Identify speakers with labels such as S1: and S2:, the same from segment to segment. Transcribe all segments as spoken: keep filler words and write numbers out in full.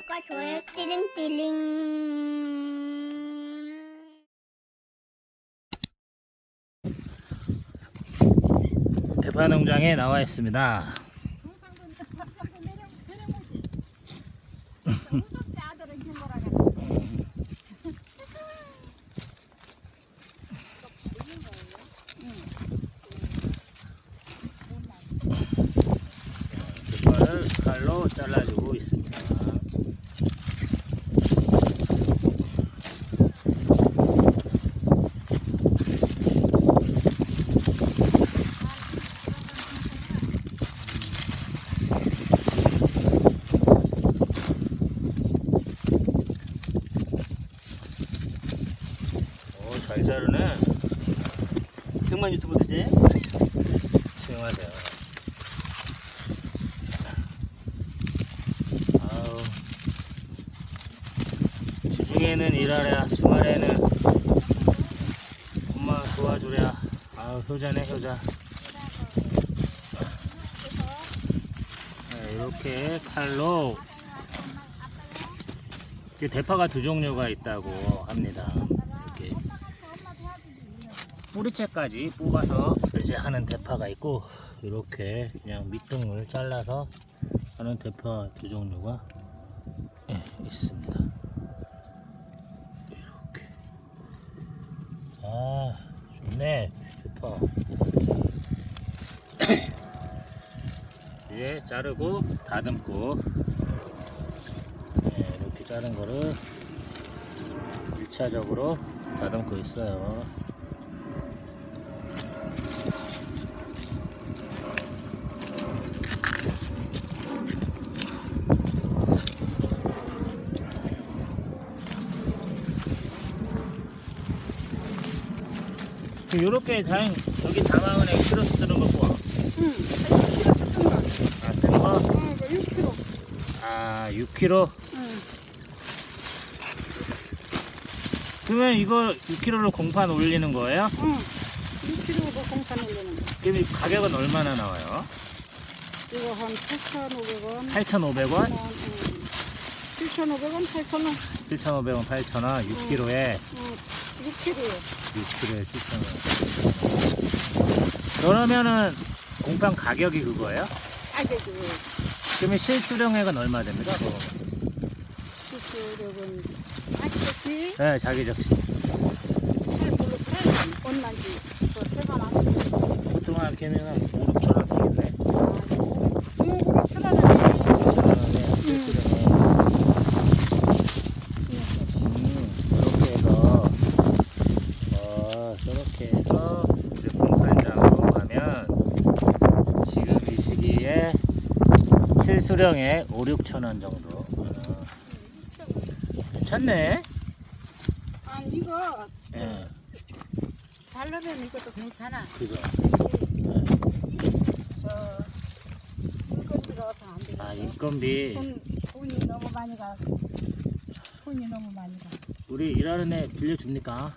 S1: 구독과 좋아요 띠링띠링.
S2: 대파 농장에 나와 있습니다. 대파를 칼로 잘라주고 있습니다. 잘 자르네.
S3: 백만 유튜브 되지?
S2: 조용하세요. 아우, 주중에는 일하랴, 주말에는 엄마 도와주랴. 아우, 효자네, 효자. 네, 이렇게 칼로 이렇게 대파가 두 종류가 있다고 합니다. 이렇게 뿌리채까지 뽑아서 이제 하는 대파가 있고, 이렇게 그냥 밑둥을 잘라서 하는 대파 두 종류가 예, 있습니다. 이렇게. 아, 좋네, 대파. 이제 자르고 다듬고, 예, 이렇게 자른 거를 일 차적으로 다듬고 있어요. 요렇게 다행 여기 담아은에 키로수 뜨는 거 봐.
S4: 응, 키로수 뜬 거.
S2: 아, 뜬 거?
S4: 어, 이거 육 킬로그램.
S2: 아, 육 킬로그램?
S4: 응.
S2: 그러면 이거 육 킬로그램로 공판 올리는 거예요?
S4: 응. 육 킬로그램 공판 올리는 거.
S2: 그럼 이 가격은 얼마나 나와요?
S4: 이거 한 팔천오백 원.
S2: 팔천오백 원?
S4: 응. 칠천오백 원, 팔천 원.
S2: 칠천오백 원, 팔천 원, 육 킬로그램에
S4: 응. 육 킬로그램.
S2: 육 킬로그램에 칠천 원. 그러면은 공판 가격이 그거예요?
S4: 가격이
S2: 그러면 실수령액은 얼마 됩니까? 그거?
S4: 수수료는 아시겠지?
S2: 네, 자기 적시.
S4: 잘 모르겠네. 얼마인지. 그 세관 안 돼.
S2: 보통 한 개면은 오, 육천 원 되겠네.
S4: 응, 그렇천 원은
S2: 이렇게 해서 어, 저렇게 해서 이제 공판장으로 가면 지금 이 시기에 실수령에 오, 육천 원 정도. 어, 괜찮네.
S4: 아, 이거
S2: 예,
S4: 잘라면 이것도 괜찮아.
S2: 그죠.
S4: 저 물건 들어서 안 되겠어.
S2: 아, 인건비.
S4: 돈, 돈이 너무 많이 가. 돈이 너무 많이 가.
S2: 우리 일하는 애 빌려줍니까?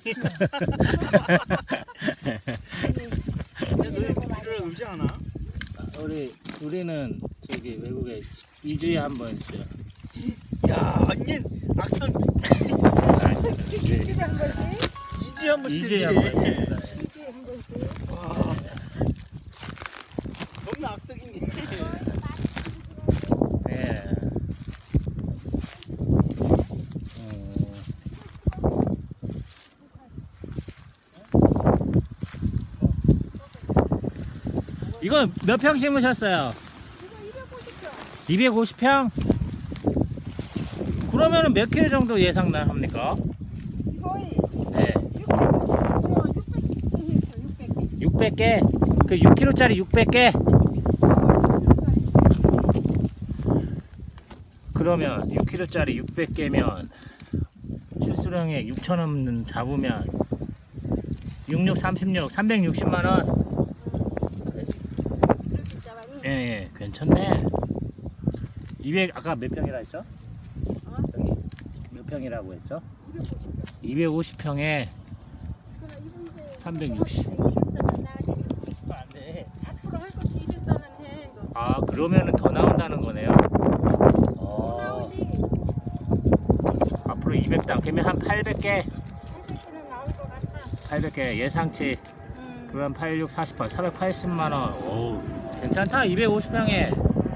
S3: 근데 너희 비료를 울지 않아?
S2: 우리, 우리는 저기 외국에 이 주에 한 번씩.
S3: 야, 완전 악성
S4: 일주일에 한 번씩?
S3: 이 주에 한 번씩
S2: 이 주에 한 번씩.
S4: 일주일에 한 번씩?
S3: 와, 너무 악덕이네.
S2: 예. 이건 몇 평 심으셨어요? 이백오십 평? 그러면은 몇 킬로 정도 예상 나 합니까?
S4: 이거이
S2: 네.
S4: 육백 개 했어, 육백 개.
S2: 육백 개? 그 육 킬로그램짜리 육백 개? 그러면 육 킬로그램짜리 육백 개면 실수령액 육천 원 잡으면 육육 삼십육 삼백육십만 원. 예, 예, 괜찮네. 이백 아까 몇 평이라 했죠? 저기 몇 평이라고 했죠? 이백오십 평에 삼백육십.
S3: 안 돼.
S4: 앞으로 할 것도 이백 단은 해. 이거.
S2: 아, 그러면은 더 나온다는 거네요. 어,
S4: 나오지.
S2: 이백 당 그러면 한 팔백 개
S4: 팔백 개는 나올 것 같아.
S2: 팔백 개 예상치
S4: 음.
S2: 그럼 팔십육, 사십팔, 사백팔십만 원. 오, 괜찮다. 이백오십 평에.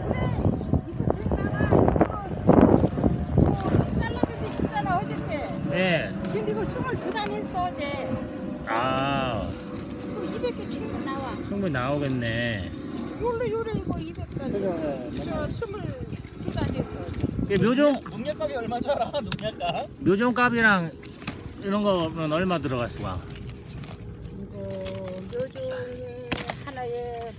S4: 잘라주기 쉽잖아 어저께.
S2: 예.
S4: 근데 이거 스물두 단 했어 어제.
S2: 아,
S4: 그럼 이백 개 충분 나와.
S2: 충분히 나오겠네.
S4: 요래 요래 이거 이백 단. 저 스물두 단 했어.
S2: 그 묘종
S3: 농약값이 얼마인 줄 알아? 농약값?
S2: 묘종값이랑 이런 거는 얼마 들어갔어?
S4: 이거 묘종이 하나에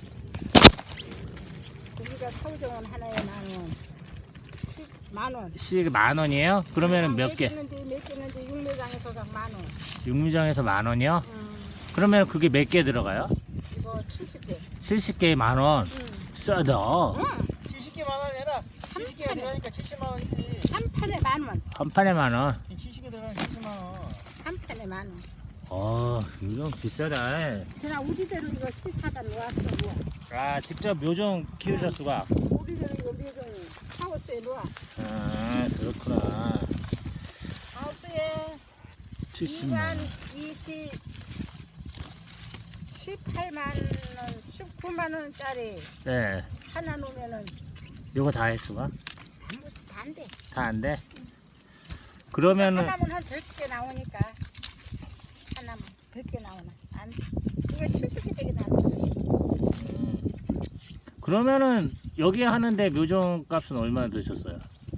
S4: 우리가 사오정원 하나에 만 원. 만 원.
S2: 씩 만 원이에요? 그러면은 몇 개?
S4: 몇 개는데 육매장에서 만 원.
S2: 육류장에서 만 원이요?
S4: 음,
S2: 그러면 그게 몇 개 들어가요?
S4: 이거 칠십 개.
S2: 칠십 개에 만 원.
S4: 응.
S2: 싸다.
S4: 응.
S3: 칠십 개만 원 해라. 칠십 개가 들어가니까 칠십만 원이지.
S4: 한 판에 만 원.
S2: 한 판에 만 원.
S3: 칠십 개 들어가면 칠십만 원.
S4: 한 판에 만 원.
S2: 어, 묘종 비싸다.
S4: 그냥 우리대로 이거 실사다 놓았어. 놓아.
S2: 아, 직접 묘종 키우셨수가?
S4: 우리대로 이거 묘종 하우스에 놓아.
S2: 아, 그렇구나.
S4: 하우스에
S2: 칠십만 원.
S4: 이십, 십팔만 원, 십구만 원짜리
S2: 네.
S4: 하나 놓으면은
S2: 요거 다 했수가?
S4: 다 안 돼.
S2: 다 안 돼? 그러면은
S4: 하나면 한 백 개 나오니까 하나면 백 개 나오나? 안 돼. 이거 칠십 개 되게 나와.
S2: 음. 그러면은 여기 하는데 묘종 값은 얼마나 드셨어요?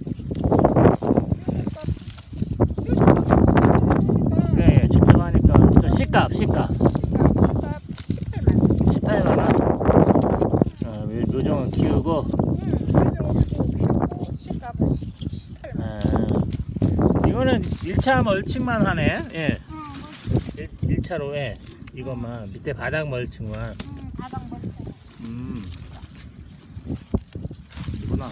S2: 예, 예, 직접 하니까 저 C값, C값
S4: 십팔만 원.
S2: 십팔만 원. 어, 묘- 묘종은 키우고 아, 이거는 일 차 멀칭만 하네. 예. 일 차로 해. 이것만 밑에 바닥 멀칭만.
S4: 바닥 멀칭.
S2: 음. 이구나.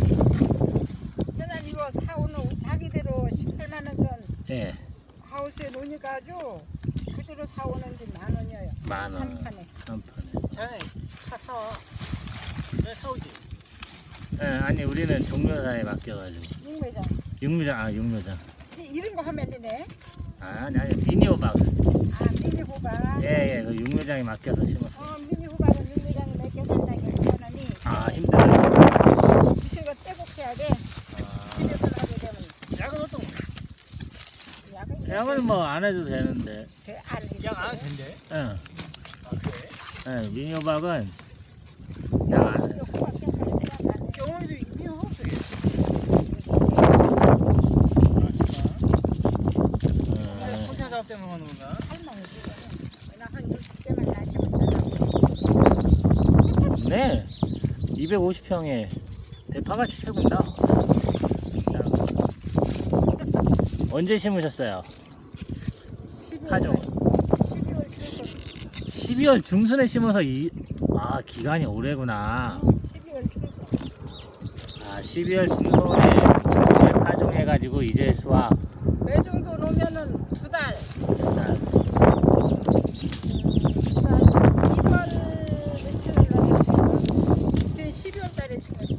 S4: 그냥 이거 사오는 자기대로 십팔만 원 전
S2: 예.
S4: 하우스에 놓으니까 아주 그대로 사오는지 만 원이에요.
S2: 만 원.
S4: 한 판에
S2: 한 판에.
S3: 자네,
S4: 사서
S3: 내 사오지.
S2: 예, 아니 우리는 종묘사에 맡겨가지고.
S4: 육매장.
S2: 육묘장, 아 육묘장.
S4: 이런 거 하면 되네.
S2: 아, 아니 아니 미니호박.
S4: 아 미니 호박.
S2: 예, 예, 그 육묘장에 맡겨서 심었어.
S4: 어 미니 호박은 육매장에 몇 개 산다고 하더니
S2: 아, 힘들어요.
S4: 미신 거 떼곡해야 돼.
S2: 아,
S4: 집에서 나게 되면
S3: 약은 어떤 거?
S4: 약은
S2: 양은 뭐 안 해도 되는데.
S4: 안 해.
S3: 약안 해도 된대.
S2: 예,
S3: 아, 그래?
S2: 예, 미니호박은 양안 해.
S4: 호박 색깔이 생각 안 해.
S3: 경험이 이미 없어.
S2: 예.
S3: 혼자 작업 때문에 하는 건가?
S4: 할머니 지금 나한 육십 개만 나시면 전화.
S2: 네, 이백오십 평에 대파가 최고다. 언제 심으셨어요? 파종.
S4: 십이월 중순.
S2: 십이월 중순에 심어서 이, 아, 기간이 오래구나.
S4: 십이월 중순.
S2: 아, 십이월 중순에 파종해가지고 이제 수확.
S4: 매 정도 놓으면은 두 달.
S2: 자,
S4: 이월 며칠을 넣었지? 그게 십이월 달에 심었어.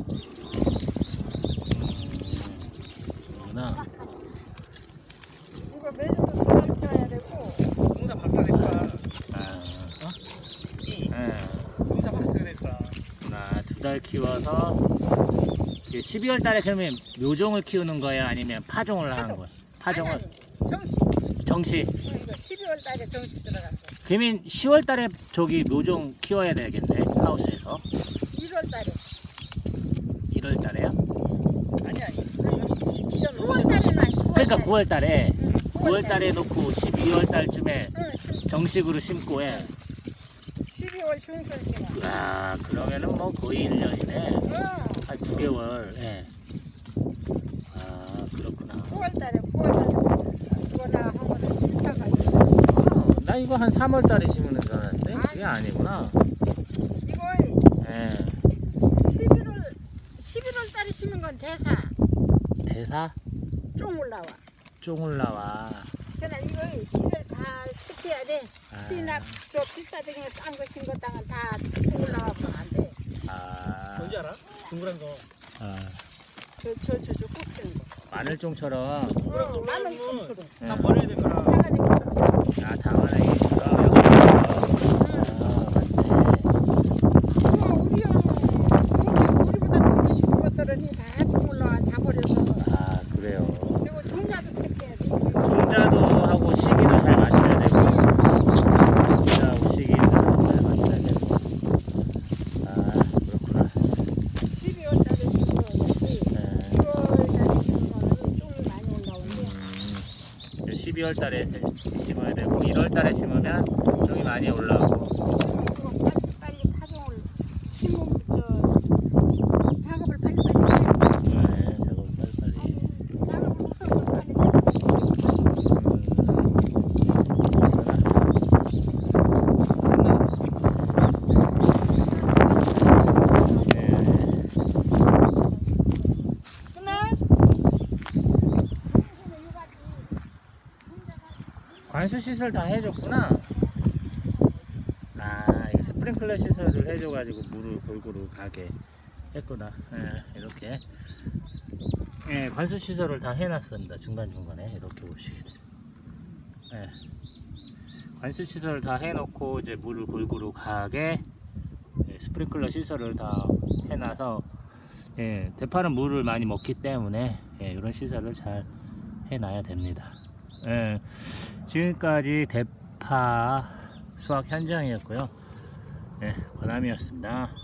S2: 그렇구나.
S4: 이거 매 정도 두 달 키워야 되고.
S3: 농사 박사 될 거야.
S2: 아,
S3: 이
S2: 예.
S3: 농사 박사 될 거야.
S2: 나 두 달 키워서 십이월 달에 그러면 묘종을 키우는 거야 아니면 파종을 하는 거야? 파종을
S4: 아니, 아니, 정식.
S2: 정시.
S4: 어, 이거 십이월 달에 정식 들어갔어.
S2: 그러면 시월 달에 저기 묘종 키워야 되겠네 하우스에서.
S4: 일월 달에.
S2: 일월 달에요?
S3: 아니 아니. 식시한
S4: 구월 달에는 아니.
S2: 그러니까 구월 달에
S4: 응,
S2: 구월 달에 놓고 십이월 달쯤에
S4: 응, 십-
S2: 정식으로 심고 해.
S4: 십이월 중순 심어.
S2: 아, 그러면은 뭐 거의 일 년이네.
S4: 응,
S2: 한 두 개월. 예. 아, 그렇구나.
S4: 구월 달에 구월 달에. 이거나 하고는 싫다가 있어.
S2: 어, 나 이거 한 삼월 달에 심는 줄 알았는데 그게 아니구나.
S4: 이걸
S2: 예.
S4: 십일월 십일월 달에 심은 건 대사
S2: 대사
S4: 쫑 올라와.
S2: 쫑 올라와.
S4: 그러나 이걸 씨를 다 특해야 돼.
S2: 아.
S4: 씨나 저 비싸등에 싼 거 심은 땅은 다쫑 올라와서 안 돼.
S2: 아,
S3: 뭔지 알아? 둥그란 거.
S2: 아,
S4: 저 저 저 저 꼭 쓰는 거.
S2: 마늘종처럼
S4: 마늘 좀 그래.
S3: 다 버려야 될 거라.
S4: 사가지고 좀.
S2: 아 당근에처럼
S4: 우와, 우리야. 우리 우리보다 먹기 쉽은 것들은 다 동물로 다 버려서.
S2: 아 그래요.
S4: 그리고 종자도 택해야 돼.
S2: 종자도 하고 시기도 잘 맞춰야 되고 종자하고 시기도 잘 맞춰야 되고 아 그렇구나.
S4: 십이월 달에 심어야지.
S2: 네.
S4: 이월 달에 심으면 종이 많이 올라오는데.
S2: 음, 십이월 달에 심어야 되고 일월 달에 심으면 종이 많이 올라오고
S4: 그거 빨리 빨리 파종을 심으면 저 작업을 빨리 빨리 해.
S2: 네, 작업 빨리빨리.
S4: 작업을 빨리 빨리 해.
S2: 관수 시설 다 해줬구나. 아, 이게 스프링클러 시설을 해줘가지고 물을 골고루 가게 했구나. 예, 이렇게. 예, 관수 시설을 다 해놨습니다. 중간 중간에 이렇게 보시게 돼요. 예, 관수 시설을 다 해놓고 이제 물을 골고루 가게 예, 스프링클러 시설을 다 해놔서 예, 대파는 물을 많이 먹기 때문에 예, 이런 시설을 잘 해놔야 됩니다. 예, 지금까지 대파 수확 현장이었고요. 예, 권함이었습니다.